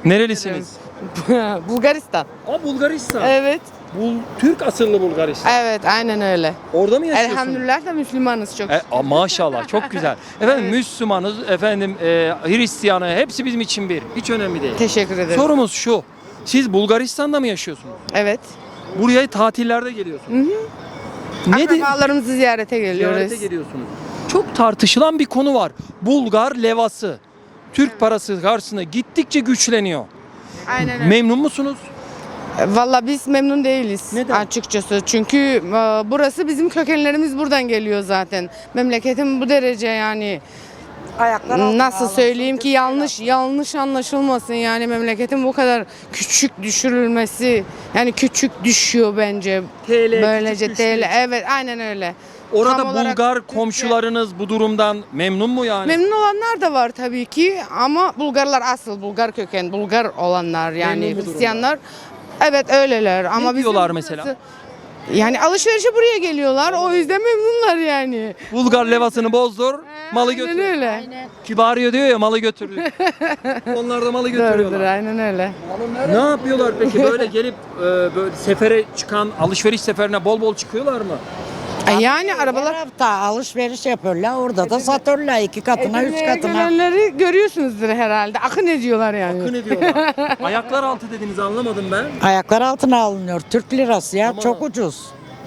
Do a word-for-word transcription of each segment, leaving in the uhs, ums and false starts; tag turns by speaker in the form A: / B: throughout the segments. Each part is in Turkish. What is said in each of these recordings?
A: Nerelisiniz?
B: Bulgaristan.
A: Aa, Bulgaristan.
B: Evet.
A: Bul Türk asıllı Bulgaristan.
B: Evet, aynen öyle.
A: Orada mı yaşıyorsunuz?
B: Elhamdülillah da Müslümanız çok.
A: E, a, maşallah çok güzel. Efendim
B: Evet.
A: Müslümanız, efendim e, Hristiyanı hepsi bizim için bir. Hiç önemli değil.
B: Teşekkür ederim.
A: Sorumuz şu. Siz Bulgaristan'da mı yaşıyorsunuz?
B: Evet.
A: Buraya tatillerde geliyorsunuz. Ne de
B: Akrabalarımızı ziyarete geliyoruz.
A: ziyarete geliyorsunuz. Çok tartışılan bir konu var. Bulgar levası. Türk parası karşısında gittikçe güçleniyor.
B: Aynen öyle.
A: Memnun musunuz?
B: Valla biz memnun değiliz
A: Neden?
B: açıkçası. Çünkü e, burası bizim kökenlerimiz buradan geliyor zaten. Memleketim bu derece yani.
C: Ayaklar altına
B: Nasıl
C: alınsın,
B: söyleyeyim ki
C: Türkiye'ye
B: yanlış yanlış anlaşılmasın yani memleketin bu kadar küçük düşürülmesi yani küçük düşüyor bence.
A: T L
B: Böylece
A: küçük
B: T L
A: düştü.
B: evet aynen öyle.
A: Orada
B: Tam olarak
A: Bulgar
B: Türkiye-
A: komşularınız bu durumdan memnun mu yani?
B: Memnun olanlar da var tabii ki ama Bulgarlar asıl Bulgar köken Bulgar olanlar yani
A: Memnun bu
B: Hristiyanlar evet öyleler ama bizim
A: diyorlar
B: burası-
A: mesela?
B: Yani alışverişe buraya geliyorlar o yüzden memnunlar yani.
A: Bulgar levasını bozdur, malı
B: Aynen
A: götür.
B: öyle.
A: Kibariye diyor ya, malı götür. Onlar da malı
B: Doğrudur
A: götürüyorlar.
B: aynen öyle.
A: Ne yapıyorlar peki? Böyle gelip e, böyle sefere çıkan, alışveriş seferine bol bol çıkıyorlar mı?
B: E Yani
C: Her
B: arabalar
C: hafta alışveriş yapıyorlar. Orada da satıyorlar iki katına, üç
B: Edirne'ye
C: katına.
B: gelenleri görüyorsunuzdur herhalde. Akın ediyorlar yani.
A: Akın ediyorlar. Ayaklar altı dediniz, anlamadım ben.
C: Ayaklar altına alınıyor. Türk lirası ya
A: Ama-
C: çok ucuz.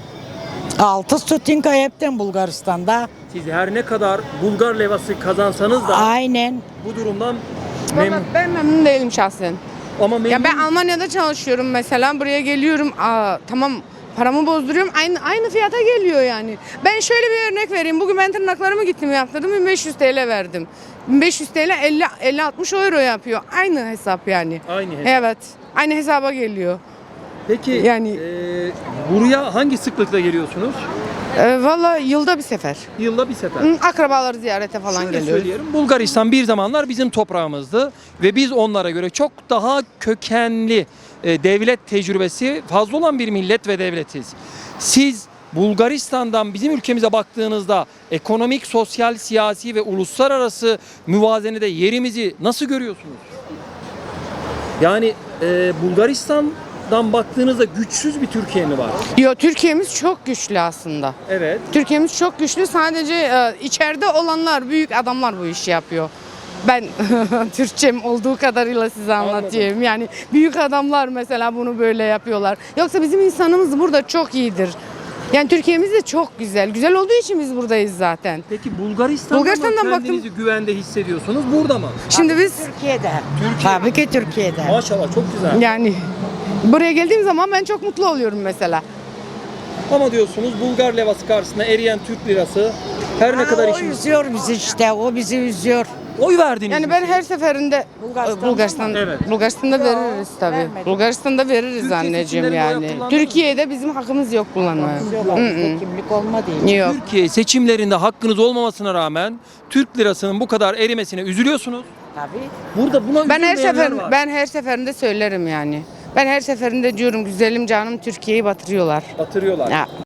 C: Altı stutinka hepten Bulgaristan'da.
A: Siz her ne kadar Bulgar levası kazansanız da
C: Aynen.
A: bu durumdan
B: Vallahi
A: memnun.
B: ben memnun değilim şahsen.
A: Ama memnun.
B: Ya ben Almanya'da çalışıyorum mesela. Buraya geliyorum. Aa, tamam paramı bozduruyorum. Aynı aynı fiyata geliyor yani. Ben şöyle bir örnek vereyim. Bugün ben tırnaklarımı gittim yaptırdım. bin beş yüz T L verdim. bin beş yüz T L elli elli altmış euro yapıyor. Aynı hesap yani.
A: Aynı hesap.
B: Evet. Aynı hesaba geliyor.
A: Peki
B: Yani-
A: e, buraya hangi sıklıkla geliyorsunuz?
B: Ee, Valla yılda bir sefer.
A: Yılda bir sefer.
B: Hı, Akrabaları ziyarete falan
A: Şöyle
B: geliyoruz.
A: söyleyelim. Bulgaristan bir zamanlar bizim toprağımızdı ve biz onlara göre çok daha kökenli e, devlet tecrübesi fazla olan bir millet ve devletiz. Siz Bulgaristan'dan bizim ülkemize baktığınızda ekonomik, sosyal, siyasi ve uluslararası müvazenede yerimizi nasıl görüyorsunuz? Yani e, Bulgaristan'dan baktığınızda güçsüz bir Türkiye mi var?
B: Yo, Türkiye'miz çok güçlü aslında.
A: Evet.
B: Türkiye'miz çok güçlü. Sadece e, içeride olanlar, büyük adamlar bu işi yapıyor. Ben Türkçem olduğu kadarıyla size anlatayım. Yani büyük adamlar mesela bunu böyle yapıyorlar. Yoksa bizim insanımız burada çok iyidir. Yani Türkiye'miz de çok güzel. Güzel olduğu için biz buradayız zaten.
A: Peki Bulgaristan'da
B: Bulgaristan'dan
A: mı
B: baktım.
A: kendinizi güvende hissediyorsunuz? Burada mı?
B: Şimdi biz
C: Türkiye'de. Tabii ki Türkiye'de.
A: Maşallah çok güzel.
B: yani buraya geldiğim zaman ben çok mutlu oluyorum mesela.
A: Ama diyorsunuz Bulgar levası karşısında eriyen Türk lirası her ne kadar
C: o
A: işimiz...
C: üzüyor bizi işte. O bizi üzüyor.
A: Oy verdiniz
B: Yani
A: mi
B: ben
A: siz?
B: her seferinde
C: Bulgaristan'da
B: Bulgaristan
C: mı?
A: Evet.
B: Bulgaristan'da veririz tabii.
C: vermedik.
B: Bulgaristan'da veririz
A: Türkiye
B: anneciğim
A: seçimlerinde oy
B: yani.
A: kullandınız mı?
B: Türkiye'de bizim hakkımız yok kullanmaya.
C: Üzüyorlar. Bizde kimlik olmadı.
B: Yok.
A: Türkiye seçimlerinde hakkınız olmamasına rağmen Türk lirasının bu kadar erimesine üzülüyorsunuz.
C: Tabii.
A: Burada buna
B: Ben her
A: üzülmeyenler
B: sefer
A: var.
B: ben her seferinde söylerim yani. Ben her seferinde diyorum güzelim canım Türkiye'yi batırıyorlar.
A: Batırıyorlar.
B: Ya